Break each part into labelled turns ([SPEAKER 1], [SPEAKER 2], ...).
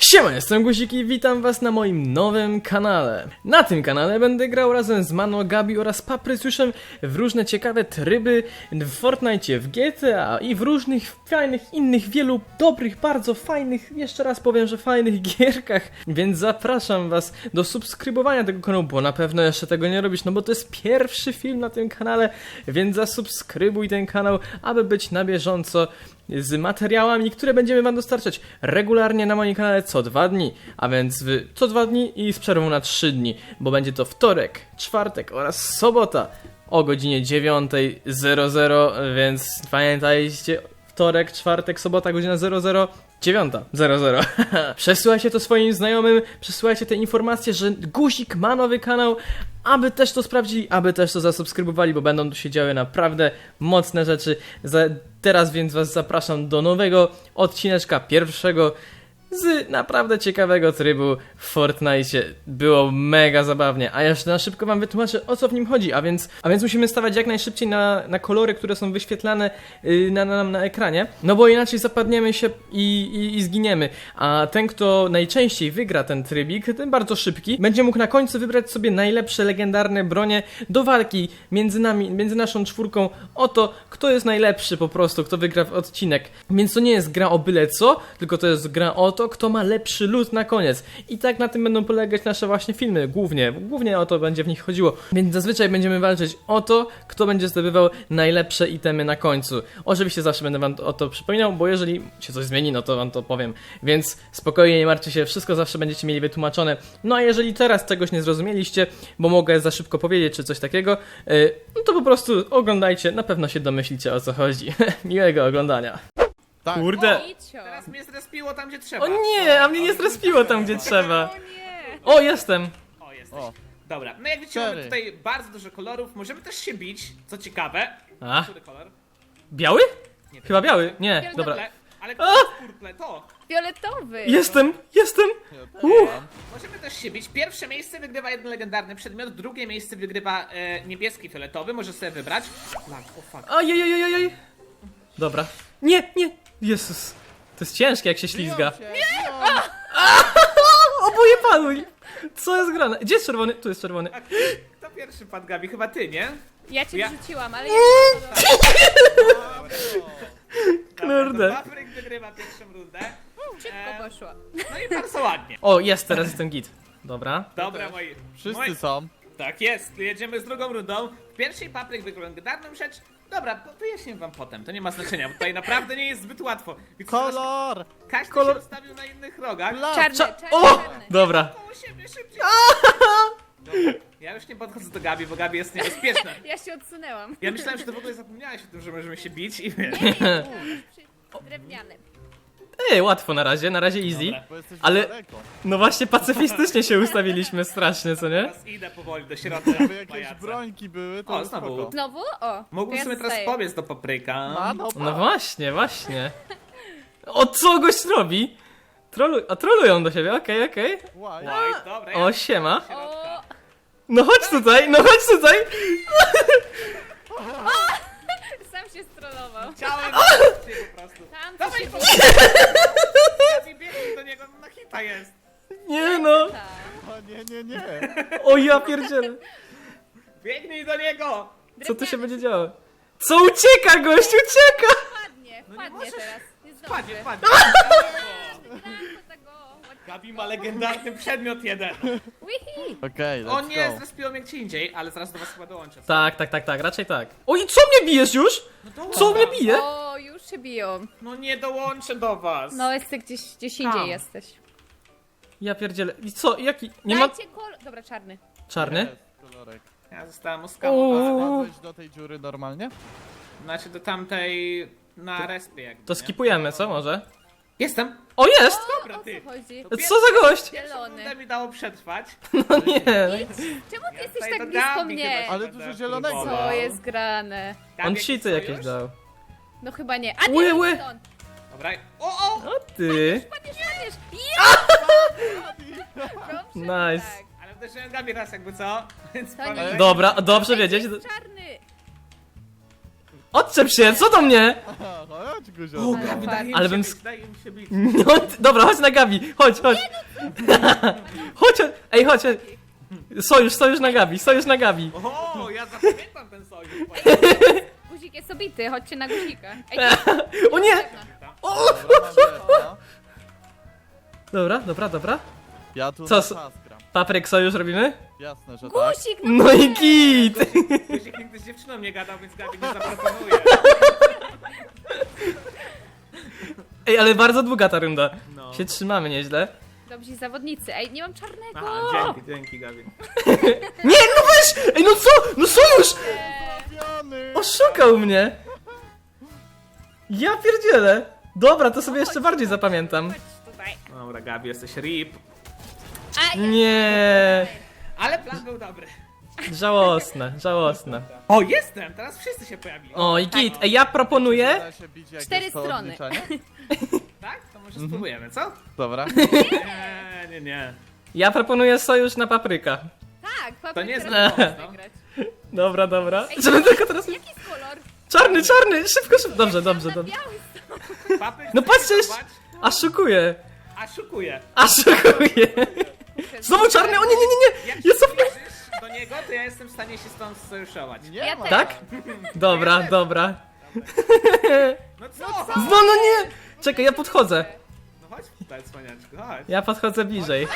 [SPEAKER 1] Siema, jestem Guzik i witam was na moim nowym kanale. Na tym kanale będę grał razem z Mano, Gabi oraz Paprysuszem w różne ciekawe tryby w Fortnite, w GTA i w różnych fajnych innych, wielu dobrych, bardzo fajnych, jeszcze raz powiem, że fajnych gierkach. Więc zapraszam was do subskrybowania tego kanału, bo na pewno jeszcze tego nie robisz, no bo to jest pierwszy film na tym kanale, więc zasubskrybuj ten kanał, aby być na bieżąco z materiałami, które będziemy wam dostarczać regularnie na moim kanale co 2 dni, a więc co 2 dni i z przerwą na 3 dni, bo będzie to wtorek, czwartek oraz sobota o godzinie 9:00, więc pamiętajcie, wtorek, czwartek, sobota, godzina 00. 9:00. Przesyłajcie to swoim znajomym, przesyłajcie te informacje, że Guzik ma nowy kanał, aby też to sprawdzili, aby też to zasubskrybowali, bo będą tu się działy naprawdę mocne rzeczy. Teraz więc was zapraszam do nowego odcineczka, pierwszego z naprawdę ciekawego trybu w Fortnite. Było mega zabawnie, a jeszcze na szybko wam wytłumaczę, o co w nim chodzi, a więc musimy stawać jak najszybciej na kolory, które są wyświetlane na ekranie, no bo inaczej zapadniemy się i zginiemy, a ten, kto najczęściej wygra ten trybik, ten bardzo szybki, będzie mógł na końcu wybrać sobie najlepsze legendarne bronie do walki między nami, między naszą czwórką o to, kto jest najlepszy po prostu, kto wygra w odcinek. Więc to nie jest gra o byle co, tylko to jest gra o to, kto ma lepszy loot na koniec. I tak na tym będą polegać nasze właśnie filmy, głównie o to będzie w nich chodziło. Więc zazwyczaj będziemy walczyć o to, kto będzie zdobywał najlepsze itemy na końcu. Oczywiście zawsze będę wam o to przypominał, bo jeżeli się coś zmieni, no to wam to powiem. Więc spokojnie, nie martwcie się, wszystko zawsze będziecie mieli wytłumaczone. No a jeżeli teraz czegoś nie zrozumieliście, bo mogę za szybko powiedzieć, czy coś takiego, no to po prostu oglądajcie, na pewno się domyślicie, o co chodzi. Miłego oglądania.
[SPEAKER 2] Tak.
[SPEAKER 1] Kurde.
[SPEAKER 3] Teraz mnie zrespiło tam, gdzie trzeba.
[SPEAKER 1] O nie, a mnie nie zrespiło tam, gdzie trzeba.
[SPEAKER 4] O nie!
[SPEAKER 1] O, jestem.
[SPEAKER 3] O, jesteś.
[SPEAKER 2] O.
[SPEAKER 3] Dobra, no jak widzicie, mamy
[SPEAKER 2] Cztery.
[SPEAKER 3] tutaj bardzo dużo kolorów. Możemy też się bić, co ciekawe.
[SPEAKER 1] A,
[SPEAKER 3] Który kolor?
[SPEAKER 1] biały?
[SPEAKER 3] Nie,
[SPEAKER 1] Chyba biały. Nie, dobra.
[SPEAKER 3] Purple. Ale purple, to.
[SPEAKER 4] Fioletowy!
[SPEAKER 1] Jestem.
[SPEAKER 3] Możemy też się bić. Pierwsze miejsce wygrywa jeden legendarny przedmiot, drugie miejsce wygrywa niebieski, fioletowy. Możesz sobie wybrać. Lag, o fuck.
[SPEAKER 1] Ojej. Dobra. Nie. Jezus. To jest ciężkie, jak się ślizga. Oboje padły. Co jest grane? Gdzie jest czerwony? Tu jest czerwony.
[SPEAKER 3] A kto pierwszy padł, Gabi? Chyba ty, nie?
[SPEAKER 4] Ja cię
[SPEAKER 3] Ja-
[SPEAKER 4] wrzuciłam, ale
[SPEAKER 1] Kurde.
[SPEAKER 3] Papryk wygrywa pierwszą rundę.
[SPEAKER 4] szybko poszło.
[SPEAKER 3] No i bardzo ładnie.
[SPEAKER 1] O, jest, teraz jestem git. Dobra.
[SPEAKER 3] Dobra, moi.
[SPEAKER 2] Wszyscy są.
[SPEAKER 3] Tak jest, jedziemy z drugą rundą. W pierwszej Papryk wygrał legendarną rzecz. Dobra, wyjaśnię wam potem, to nie ma znaczenia, bo tutaj naprawdę nie jest zbyt łatwo. Więc
[SPEAKER 2] Kolor!
[SPEAKER 3] każdy
[SPEAKER 1] kolor-
[SPEAKER 3] się ustawił na innych rogach.
[SPEAKER 4] Czarny,
[SPEAKER 1] O!
[SPEAKER 4] czarny.
[SPEAKER 1] Dobra.
[SPEAKER 3] Koło siebie szybciej. Dobra, ja już nie podchodzę do Gabi, bo Gabi jest niebezpieczna.
[SPEAKER 4] Ja się odsunęłam.
[SPEAKER 3] Ja myślałem, że ty w ogóle zapomniałeś o tym, że możemy się bić i wiesz.
[SPEAKER 4] Drewniany.
[SPEAKER 1] Łatwo na razie easy.
[SPEAKER 3] Dobra.
[SPEAKER 2] Bo jesteś
[SPEAKER 1] Ale-
[SPEAKER 2] daleko.
[SPEAKER 1] No właśnie pacyfistycznie się ustawiliśmy strasznie, co nie?
[SPEAKER 3] Teraz idę powoli do środka.
[SPEAKER 2] Jakby jakieś
[SPEAKER 3] pajaca.
[SPEAKER 2] brońki były, to
[SPEAKER 3] O,
[SPEAKER 2] jest
[SPEAKER 3] znowu.
[SPEAKER 2] spoko.
[SPEAKER 4] Znowu? O.
[SPEAKER 3] Mógłbym
[SPEAKER 4] to
[SPEAKER 3] sobie
[SPEAKER 4] ja
[SPEAKER 3] teraz
[SPEAKER 4] zostaję.
[SPEAKER 3] pobiec do Papryka.
[SPEAKER 1] No właśnie. O, co gość robi? Trolują do siebie, okej.
[SPEAKER 2] Łaj.
[SPEAKER 3] Oj, dobra,
[SPEAKER 1] O, siema.
[SPEAKER 4] O,
[SPEAKER 1] No chodź tutaj.
[SPEAKER 4] sam się strollował.
[SPEAKER 3] Chciałem cię po prostu.
[SPEAKER 4] Tam
[SPEAKER 3] Dawaj,
[SPEAKER 4] się
[SPEAKER 3] po- Gabi, biegnij do niego, na hita jest.
[SPEAKER 1] Nie no.
[SPEAKER 4] Tak.
[SPEAKER 2] O nie.
[SPEAKER 1] O ja pierdzielę.
[SPEAKER 3] Biegnij do niego.
[SPEAKER 1] Co tu się będzie działo? Co ucieka, gość, ucieka!
[SPEAKER 4] Wpadnie
[SPEAKER 3] możesz.
[SPEAKER 4] teraz. Nie zdąży.
[SPEAKER 3] Wpadnie.
[SPEAKER 4] Wygrałam do tego.
[SPEAKER 3] Gabi ma legendarny przedmiot jeden.
[SPEAKER 4] Wihi.
[SPEAKER 2] Okej,
[SPEAKER 3] O
[SPEAKER 2] let's
[SPEAKER 3] nie,
[SPEAKER 2] go.
[SPEAKER 3] zrespiło mnie gdzie indziej, ale zaraz do was chyba dołączę.
[SPEAKER 1] Tak, raczej tak. Oj, co mnie bijesz już? Co mnie bije?
[SPEAKER 4] O, już się biją.
[SPEAKER 3] No nie dołączę do was.
[SPEAKER 4] No, jesteś gdzieś indziej
[SPEAKER 3] Tam.
[SPEAKER 4] jesteś.
[SPEAKER 1] Ja pierdzielę. I co, jaki? Nie ma...
[SPEAKER 4] Dajcie kolor. Dobra, czarny.
[SPEAKER 1] Czarny?
[SPEAKER 2] Jest kolorek.
[SPEAKER 3] Ja zostałem oskamowany.
[SPEAKER 2] Wpadłeś do tej dziury normalnie?
[SPEAKER 3] Znaczy do tamtej na respie jakby.
[SPEAKER 1] To
[SPEAKER 3] nie?
[SPEAKER 1] skipujemy, co może?
[SPEAKER 3] Jestem.
[SPEAKER 1] O, jest!
[SPEAKER 3] Dobra,
[SPEAKER 4] O
[SPEAKER 3] ty.
[SPEAKER 4] co chodzi?
[SPEAKER 1] Co za gość?
[SPEAKER 4] Zielony.
[SPEAKER 3] Rundę mi dało przetrwać.
[SPEAKER 1] No nie.
[SPEAKER 4] Czemu ty jesteś
[SPEAKER 3] tutaj
[SPEAKER 4] tak
[SPEAKER 3] do
[SPEAKER 4] blisko
[SPEAKER 3] Gabi
[SPEAKER 4] mnie?
[SPEAKER 3] chyba
[SPEAKER 2] Ale
[SPEAKER 3] będę
[SPEAKER 2] dużo zielonego.
[SPEAKER 3] próbował.
[SPEAKER 4] Co jest grane?
[SPEAKER 3] Gabi,
[SPEAKER 1] On
[SPEAKER 3] jakiś
[SPEAKER 1] cheaty
[SPEAKER 3] sojusz?
[SPEAKER 1] jakieś dał.
[SPEAKER 4] No chyba nie. A
[SPEAKER 1] Ły,
[SPEAKER 4] nie,
[SPEAKER 1] ły.
[SPEAKER 4] stąd.
[SPEAKER 3] Dobra. O!
[SPEAKER 1] O ty.
[SPEAKER 4] Padniesz.
[SPEAKER 1] Nice.
[SPEAKER 4] Tak.
[SPEAKER 3] Ale uderzyłem Gabi raz jakby co? Więc
[SPEAKER 4] To nie
[SPEAKER 3] pamiętaj.
[SPEAKER 1] Dobra, dobrze wiedzieć.
[SPEAKER 4] Jest czarny.
[SPEAKER 1] Odczep się, co do mnie?
[SPEAKER 2] Aha, chodź,
[SPEAKER 3] O,
[SPEAKER 2] Guzio.
[SPEAKER 3] Gabi, daj im
[SPEAKER 1] Ale
[SPEAKER 3] się
[SPEAKER 1] bym
[SPEAKER 3] bić, daj im się bić.
[SPEAKER 1] No, dobra, chodź na Gabi, chodź. Chodź, ej, chodź. Sojusz na Gabi, sojusz na Gabi.
[SPEAKER 3] O, ja zapamiętam ten sojusz.
[SPEAKER 4] Guzik jest obity, chodźcie na guzika. Ej,
[SPEAKER 1] O nie! O!
[SPEAKER 2] Dobra, mam Reda.
[SPEAKER 1] Dobra.
[SPEAKER 2] Ja tu
[SPEAKER 1] Co
[SPEAKER 2] na
[SPEAKER 1] s-
[SPEAKER 2] czas gram.
[SPEAKER 1] Papryk, sojusz robimy?
[SPEAKER 2] Jasne, że tak.
[SPEAKER 4] guzik,
[SPEAKER 1] No i git!
[SPEAKER 3] Guzik nigdy z dziewczyną nie gadał, więc Gabi nie zaproponuje.
[SPEAKER 1] Ej, ale bardzo długa ta runda.
[SPEAKER 3] No.
[SPEAKER 1] Się trzymamy nieźle.
[SPEAKER 4] Dobrzy zawodnicy. Ej, nie mam czarnego.
[SPEAKER 3] Aha, dzięki Gabi.
[SPEAKER 1] Nie, no weź! Ej, no co? No sojusz!
[SPEAKER 2] Trafiony!
[SPEAKER 1] Oszukał mnie! Ja pierdzielę! Dobra, to sobie jeszcze bardziej zapamiętam.
[SPEAKER 4] Chodź tutaj.
[SPEAKER 3] Dobra, Gabi, jesteś rip.
[SPEAKER 4] A,
[SPEAKER 1] Nie,
[SPEAKER 3] Ale plan był dobry.
[SPEAKER 1] żałosne.
[SPEAKER 3] O, jestem! Teraz wszyscy się pojawili.
[SPEAKER 1] O, i git. Ej, ja proponuję...
[SPEAKER 2] Da się bić, jak
[SPEAKER 4] 4
[SPEAKER 2] jest to
[SPEAKER 4] strony.
[SPEAKER 2] odliczanie?
[SPEAKER 3] Tak? To może spróbujemy, co?
[SPEAKER 2] Dobra.
[SPEAKER 3] Nie.
[SPEAKER 1] Ja proponuję sojusz na papryka.
[SPEAKER 4] tak,
[SPEAKER 3] To
[SPEAKER 4] papryk
[SPEAKER 3] nie jest
[SPEAKER 4] teraz
[SPEAKER 3] zły
[SPEAKER 4] może
[SPEAKER 3] pomysł, no.
[SPEAKER 4] wygrać.
[SPEAKER 1] Dobra.
[SPEAKER 4] Ej,
[SPEAKER 1] Żeby tylko teraz...
[SPEAKER 4] Jaki jest kolor?
[SPEAKER 1] Czarny, szybko. Dobrze.
[SPEAKER 4] Na biały
[SPEAKER 3] Papy
[SPEAKER 1] No
[SPEAKER 3] chce
[SPEAKER 1] patrzcie,
[SPEAKER 3] spróbować,
[SPEAKER 1] Aszukuję.
[SPEAKER 3] a szukuje.
[SPEAKER 1] Znowu czarny, o nie.
[SPEAKER 3] Jak
[SPEAKER 1] Jest
[SPEAKER 3] się
[SPEAKER 1] op-
[SPEAKER 3] zbliżysz do niego, to ja jestem w stanie się stąd sojuszować.
[SPEAKER 2] Nie
[SPEAKER 4] Ja
[SPEAKER 2] ma.
[SPEAKER 4] też.
[SPEAKER 1] Tak? Dobra.
[SPEAKER 3] No co?
[SPEAKER 1] No nie! Czekaj, ja podchodzę.
[SPEAKER 3] No chodź tutaj, cwaniaczku, chodź.
[SPEAKER 1] Ja podchodzę bliżej.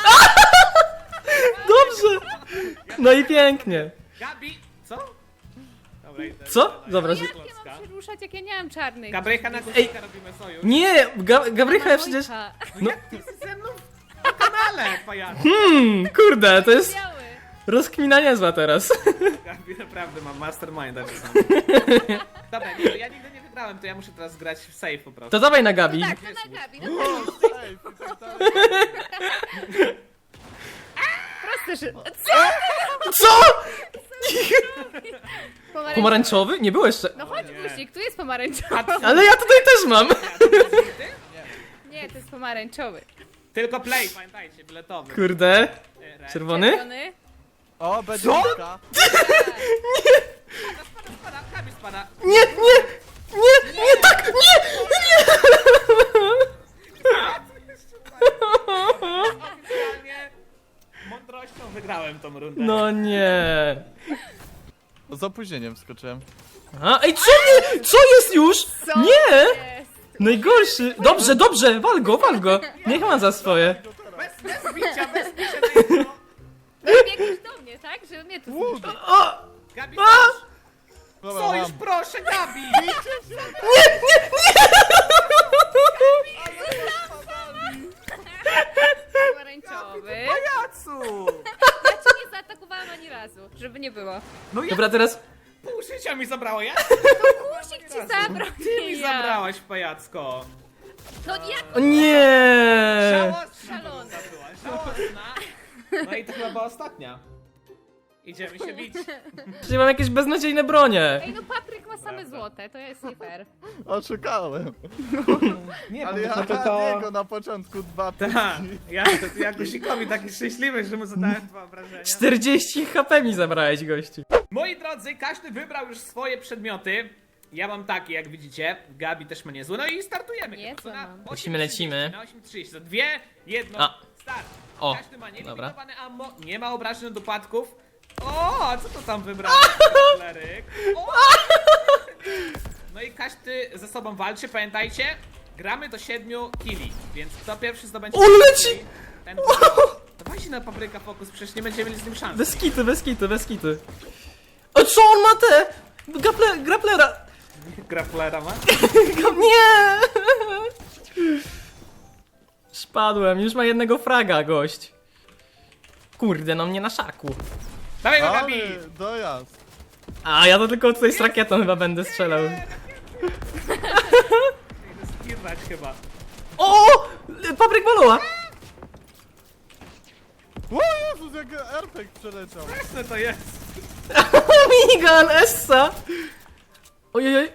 [SPEAKER 1] Dobrze! No i pięknie.
[SPEAKER 3] Gabi, co? Dobra, idę.
[SPEAKER 1] Co? Dobra,
[SPEAKER 4] Jak ja mam się ruszać, jak ja nie mam czarnych?
[SPEAKER 3] Gabrycha na
[SPEAKER 1] Ej.
[SPEAKER 3] guzika robimy sojusz.
[SPEAKER 1] Nie! Gabrycha przecież...
[SPEAKER 4] Manojka.
[SPEAKER 3] No jak ty jesteś ze mną na kanale, pajacu?
[SPEAKER 1] Kurde, to jest
[SPEAKER 4] Biały.
[SPEAKER 1] rozkmina niezła teraz.
[SPEAKER 3] Gabi naprawdę mam masterminda czasami. Dobra, nie, ja nigdy nie wygrałem, to ja muszę teraz grać w safe po prostu.
[SPEAKER 1] To dawaj na Gabi.
[SPEAKER 4] Tak, to na Gabi. No
[SPEAKER 2] Ej,
[SPEAKER 4] proste, że...
[SPEAKER 1] Co?
[SPEAKER 4] Pomarańczowy.
[SPEAKER 1] Pomarańczowy? Nie było jeszcze.
[SPEAKER 4] No chodź
[SPEAKER 3] Nie.
[SPEAKER 4] guzik, tu jest pomarańczowy.
[SPEAKER 1] Ale ja tutaj też mam.
[SPEAKER 4] Nie, to jest pomarańczowy.
[SPEAKER 3] Tylko play, pamiętajcie, biletowy.
[SPEAKER 1] Kurde.
[SPEAKER 3] Red.
[SPEAKER 1] Czerwony?
[SPEAKER 4] Czerwony.
[SPEAKER 2] O, będzie
[SPEAKER 1] Co?
[SPEAKER 2] piłka.
[SPEAKER 3] Spada, Gabi spada.
[SPEAKER 1] Nie, tak, nie!
[SPEAKER 3] Oficjalnie mądrością wygrałem tą rundę.
[SPEAKER 1] No nie.
[SPEAKER 2] Z opóźnieniem wskoczyłem.
[SPEAKER 1] A, ej, co nie? Co jest już?
[SPEAKER 4] Co
[SPEAKER 1] Nie!
[SPEAKER 4] jest?
[SPEAKER 1] Najgorszy. Dobrze, wal go. Niech ma za swoje.
[SPEAKER 3] Bez bicia tego.
[SPEAKER 4] No biegniesz do mnie, tak? Żeby mnie tu
[SPEAKER 2] Łód.
[SPEAKER 4] zniszczyć.
[SPEAKER 1] O!
[SPEAKER 3] Gabi,
[SPEAKER 2] Dobra,
[SPEAKER 3] co już
[SPEAKER 2] mam.
[SPEAKER 3] proszę, Gabi!
[SPEAKER 4] Pomarańczowy.
[SPEAKER 3] Pajacu!
[SPEAKER 4] Ja cię nie zaatakowałam ani razu, żeby nie było.
[SPEAKER 3] No ja
[SPEAKER 1] Dobra, teraz...
[SPEAKER 3] pół życia mi zabrało, ja?
[SPEAKER 4] Kusik ci zabrał,
[SPEAKER 3] Ty mi
[SPEAKER 4] nie ja.
[SPEAKER 3] zabrałaś, pajacko.
[SPEAKER 4] No jak
[SPEAKER 1] O nie!
[SPEAKER 3] Żałosna
[SPEAKER 4] Szalona.
[SPEAKER 3] runda była, żałosna. No i to chyba była ostatnia. Idziemy się bić.
[SPEAKER 1] Czyli mam jakieś beznadziejne bronie.
[SPEAKER 4] Ej, no papryk ma same złote, to jest nie fair.
[SPEAKER 2] Oszukałem.
[SPEAKER 3] Nie,
[SPEAKER 2] Ale ja niego na początku dwa
[SPEAKER 3] Tak,
[SPEAKER 2] piłki.
[SPEAKER 3] ja Guzikowi taki szczęśliwy, że mu zadałem dwa obrażenia.
[SPEAKER 1] 40 HP mi zabrałeś, gościu.
[SPEAKER 3] Moi drodzy, każdy wybrał już swoje przedmioty. Ja mam takie, jak widzicie. Gabi też ma niezłe. No i startujemy.
[SPEAKER 4] Nie,
[SPEAKER 3] chyba, co
[SPEAKER 4] co
[SPEAKER 3] na
[SPEAKER 4] mam?
[SPEAKER 3] 8:30,
[SPEAKER 1] Lecimy.
[SPEAKER 3] Na 8:30. Za dwie, jedno,
[SPEAKER 1] A.
[SPEAKER 3] start.
[SPEAKER 1] O,
[SPEAKER 3] Każdy ma
[SPEAKER 1] dobra.
[SPEAKER 3] nielimitowane ammo, nie ma obrażeń do upadków. O, a co to tam wybrałeś, Kleryk? O! No i każdy ze sobą walczy, pamiętajcie. Gramy do 7 killi, więc kto pierwszy zdobędzie...
[SPEAKER 1] O, leci!
[SPEAKER 3] killi, ten dawajcie na papryka fokus, przecież nie będziemy mieli z nim szans.
[SPEAKER 1] Bez kitu. O, co on ma te? Graplera.
[SPEAKER 3] Grapplera ma?
[SPEAKER 1] Nie! Spadłem, już ma jednego fraga, gość. Kurde, no mnie na szaku.
[SPEAKER 3] Dawaj go, Gabi!
[SPEAKER 2] Ale dojazd.
[SPEAKER 1] A, ja to tylko tutaj z rakietą chyba będę strzelał.
[SPEAKER 3] Idę skirać chyba.
[SPEAKER 1] O! Papryk Boloa!
[SPEAKER 2] O Jezus, jak RPG przeleciał.
[SPEAKER 3] Jasne to jest.
[SPEAKER 1] Minigun, Essa! Ojej.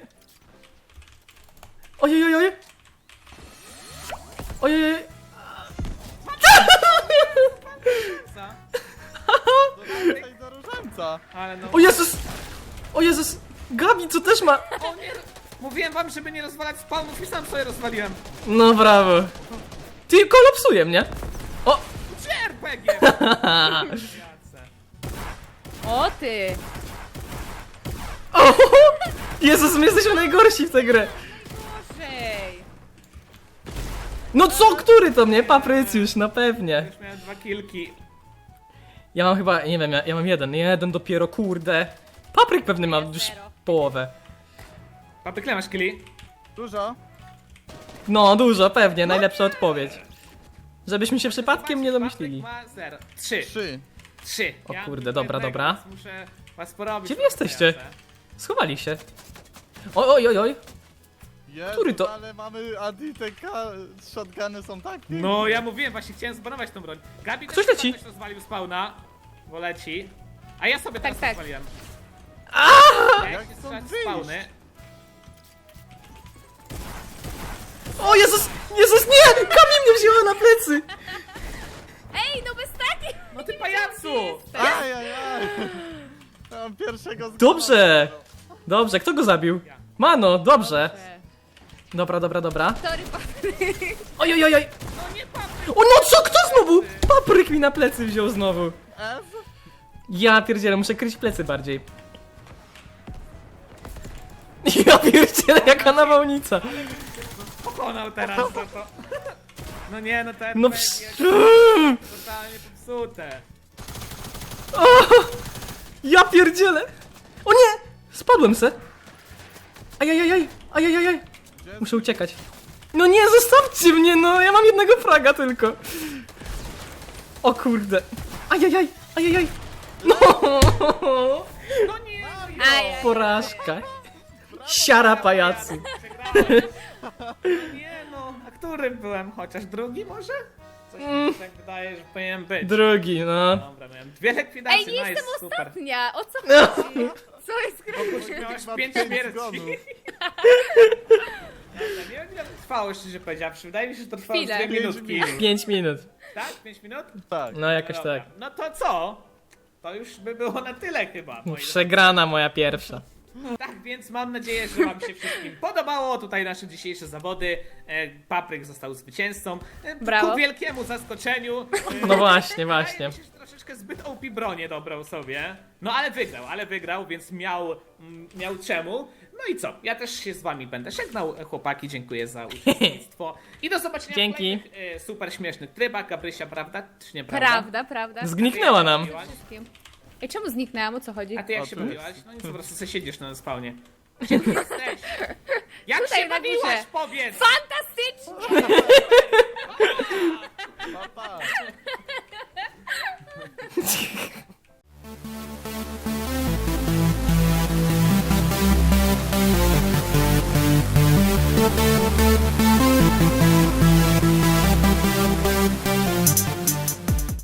[SPEAKER 3] Co?
[SPEAKER 2] Do różańca.
[SPEAKER 3] Ale no...
[SPEAKER 1] O Jezus! Gabi, co też ma?
[SPEAKER 3] O nie! Mówiłem wam, żeby nie rozwalać spawnów i sam sobie rozwaliłem.
[SPEAKER 1] No brawo. Ty kolapsuje mnie. O!
[SPEAKER 3] Gdzie RPG?
[SPEAKER 4] O ty!
[SPEAKER 1] O! Jezus, my jesteśmy najgorsi w tę grę.
[SPEAKER 4] Gorzej!
[SPEAKER 1] No co, który to mnie? Paprycjusz, no pewnie.
[SPEAKER 3] Już miałem 2 kilki.
[SPEAKER 1] Ja mam chyba, nie wiem, ja mam jeden dopiero, kurde. Papryk pewnie ma już
[SPEAKER 4] Zero.
[SPEAKER 1] połowę.
[SPEAKER 3] Papy, ile masz killi?
[SPEAKER 2] Dużo?
[SPEAKER 1] No, dużo, pewnie, najlepsza odpowiedź. Żebyśmy się przypadkiem nie domyślili.
[SPEAKER 3] Papryk ma 0. 3.
[SPEAKER 2] 3.
[SPEAKER 3] 3.
[SPEAKER 1] O kurde, dobra, dobra.
[SPEAKER 3] Muszę was porobić.
[SPEAKER 1] Gdzie wy jesteście? Schowali się. Oj, oj, oj.
[SPEAKER 2] Jezu,
[SPEAKER 1] Który to?
[SPEAKER 2] ale mamy ADTK, shotguny są tak piękne.
[SPEAKER 3] No, ja mówiłem, właśnie chciałem zbanować tą broń. Gabi
[SPEAKER 1] Ktoś
[SPEAKER 3] też
[SPEAKER 1] leci.
[SPEAKER 3] Ktoś rozwalił spawna, bo leci. A ja sobie teraz
[SPEAKER 4] tak.
[SPEAKER 3] rozwaliłem. Ja
[SPEAKER 2] Jak
[SPEAKER 3] się
[SPEAKER 2] stąd
[SPEAKER 3] strzelać
[SPEAKER 2] wyjść?
[SPEAKER 3] spawny.
[SPEAKER 1] O Jezus, Jezus, nie! Kami mnie wzięła na plecy!
[SPEAKER 4] Ej, no bez takich!
[SPEAKER 3] No ty pajacu!
[SPEAKER 2] Ajajaj. Mam pierwszego z
[SPEAKER 1] Dobrze! Dobrze, kto go zabił? Mano, dobrze. Dobra, dobra, dobra.
[SPEAKER 4] Sorry, Patryk.
[SPEAKER 1] Oj, oj, oj, oj.
[SPEAKER 3] No nie papryk!
[SPEAKER 1] O no co, kto znowu? Papryk mi na plecy wziął znowu.
[SPEAKER 2] F?
[SPEAKER 1] Ja pierdzielę, muszę kryć plecy bardziej. Ja pierdzielę, jaka nawałnica.
[SPEAKER 3] Pokonał teraz za to. No nie, no ten
[SPEAKER 1] No
[SPEAKER 3] RPG
[SPEAKER 1] psz...
[SPEAKER 3] jest totalnie popsute.
[SPEAKER 1] O, ja pierdzielę. O nie! Spadłem se. Ajajajaj, ajajajaj.
[SPEAKER 2] Gdzie
[SPEAKER 1] Muszę uciekać. No nie, zostawcie mnie, no, ja mam jednego fraga tylko. O kurde. Ajajaj, ajajaj. No,
[SPEAKER 3] No nie, no jo.
[SPEAKER 4] Aj,
[SPEAKER 1] porażka. Siara pajacu.
[SPEAKER 3] Przegrałem. No nie no, a którym byłem? Chociaż drugi może? Coś mi się tak wydaje, że powinienem być.
[SPEAKER 1] Drugi, no.
[SPEAKER 3] Dobra, miałem 2 likwidacje,
[SPEAKER 4] Ej, nie
[SPEAKER 3] nice,
[SPEAKER 4] jestem
[SPEAKER 3] super.
[SPEAKER 4] ostatnia! O co chodzi? Co jest grane?
[SPEAKER 3] Miałeś
[SPEAKER 2] Ma
[SPEAKER 3] 5
[SPEAKER 2] pięć
[SPEAKER 3] śmierci.
[SPEAKER 2] zgonów.
[SPEAKER 3] Dobra, nie wiem ile to trwało, szczerze powiedziawszy. Wydaje mi się, że to trwało z
[SPEAKER 4] Chwilę.
[SPEAKER 3] 2
[SPEAKER 2] Pięć
[SPEAKER 3] minutki.
[SPEAKER 2] minut.
[SPEAKER 1] 5 minut.
[SPEAKER 3] Tak? 5 minut?
[SPEAKER 2] Tak.
[SPEAKER 1] No jakoś
[SPEAKER 3] Dobra.
[SPEAKER 1] tak.
[SPEAKER 3] No to co? To już by było na tyle chyba. moi
[SPEAKER 1] Przegrana moja pierwsza.
[SPEAKER 3] Tak, więc mam nadzieję, że wam się wszystkim podobało. Tutaj nasze dzisiejsze zawody. Papryk został zwycięzcą.
[SPEAKER 4] Brawo.
[SPEAKER 3] Ku wielkiemu zaskoczeniu.
[SPEAKER 1] No właśnie, właśnie.
[SPEAKER 3] Wydaje mi się, że troszeczkę zbyt OP bronię dobrał sobie. No ale wygrał, więc miał czemu. No i co? Ja też się z wami będę żegnał, chłopaki. Dziękuję za uczestnictwo. I do zobaczenia
[SPEAKER 1] Dzięki.
[SPEAKER 3] w kolejnych super śmiesznych trybach. Gabrysia, prawda czy nieprawda?
[SPEAKER 4] Prawda, prawda.
[SPEAKER 1] Zgniknęła nam.
[SPEAKER 4] Wszystkim. Ej, czemu zniknęłam? O co chodzi?
[SPEAKER 3] A ty jak
[SPEAKER 2] O,
[SPEAKER 3] się
[SPEAKER 2] tu
[SPEAKER 3] bawiłaś? No nic, po prostu sobie siedzisz na spawnie. Gdzie ty jesteś? Jak
[SPEAKER 4] Tutaj
[SPEAKER 3] się
[SPEAKER 4] na
[SPEAKER 3] bawiłaś,
[SPEAKER 4] górze.
[SPEAKER 3] powiedz!
[SPEAKER 4] Fantastycznie!
[SPEAKER 2] Pa, pa.